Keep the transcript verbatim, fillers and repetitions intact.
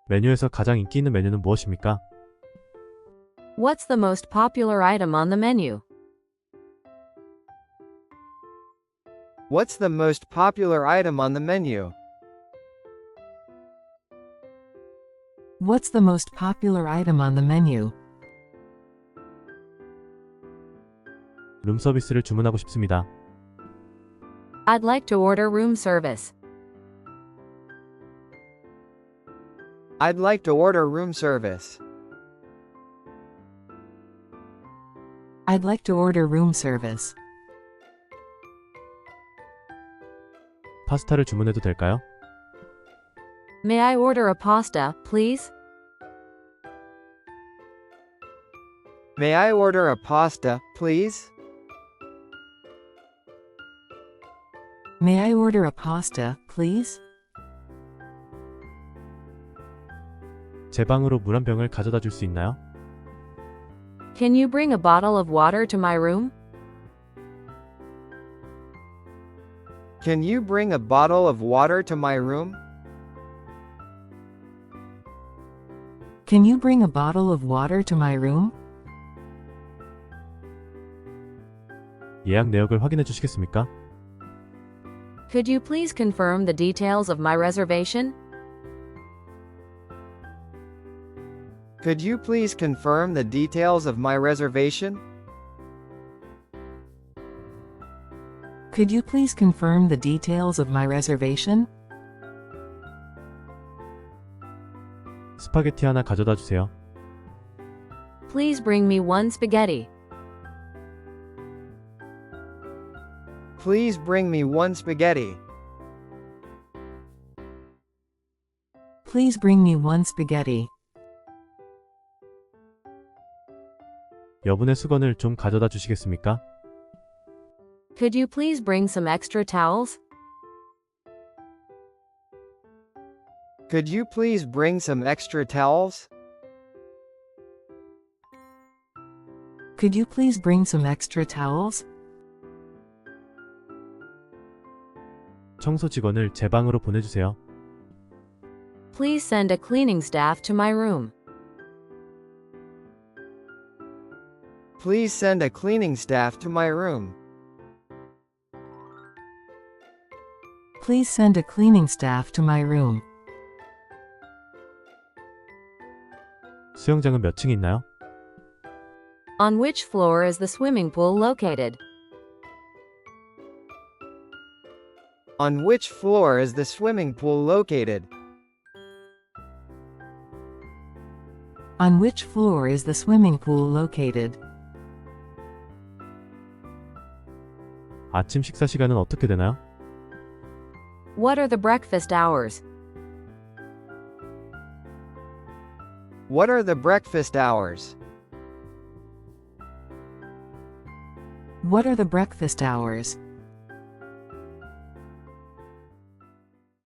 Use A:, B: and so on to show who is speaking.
A: 메뉴에서 가장 인기 있는 메뉴는 무엇입니까?
B: What's the most popular item on the menu?
C: What's the most popular item on the menu?
D: What's the most popular item on the menu?
A: 룸 서비스를 주문하고 싶습니다.
B: I'd like to order room service.
C: I'd like to order room service.
D: I'd like to order room service.
A: 파스타를 주문해도 될까요?
B: May I order a pasta, please?
C: May I order a pasta, please?
D: May I order a pasta, please?
A: 제 방으로 물 한 병을 가져다 줄 수 있나요?
B: Can you bring a bottle of water to my room?
C: Can you bring a bottle of water to my room?
D: Can you bring a bottle of water to my room?
A: 예약 내역을 확인해 주시겠습니까?
B: Could you please confirm the details of my reservation?
C: Could you please confirm the details of my reservation?
D: Could you please confirm the details of my reservation?
A: 스파게티 하나 가져다 주세요.
B: Please bring me one spaghetti.
C: Please bring me one spaghetti.
D: Please bring me one spaghetti.
A: 여분의 수건을 좀 가져다 주시겠습니까?
B: Could you please bring some extra towels?
C: Could you please bring some extra towels?
D: Could you please bring some extra towels?
A: 청소 직원을 제 방으로 보내주세요.
B: Please send a cleaning staff to my room.
C: Please send a cleaning staff to my room.
D: Please send a cleaning staff to my room.
A: 수영장은 몇 층이 있나요?
B: On which floor is the swimming pool located?
C: On which floor is the swimming pool located?
D: On which floor is the swimming pool located?
A: 아침 식사 시간은 어떻게 되나요?
B: What are the breakfast hours?
C: What are the breakfast hours?
D: What are the breakfast hours?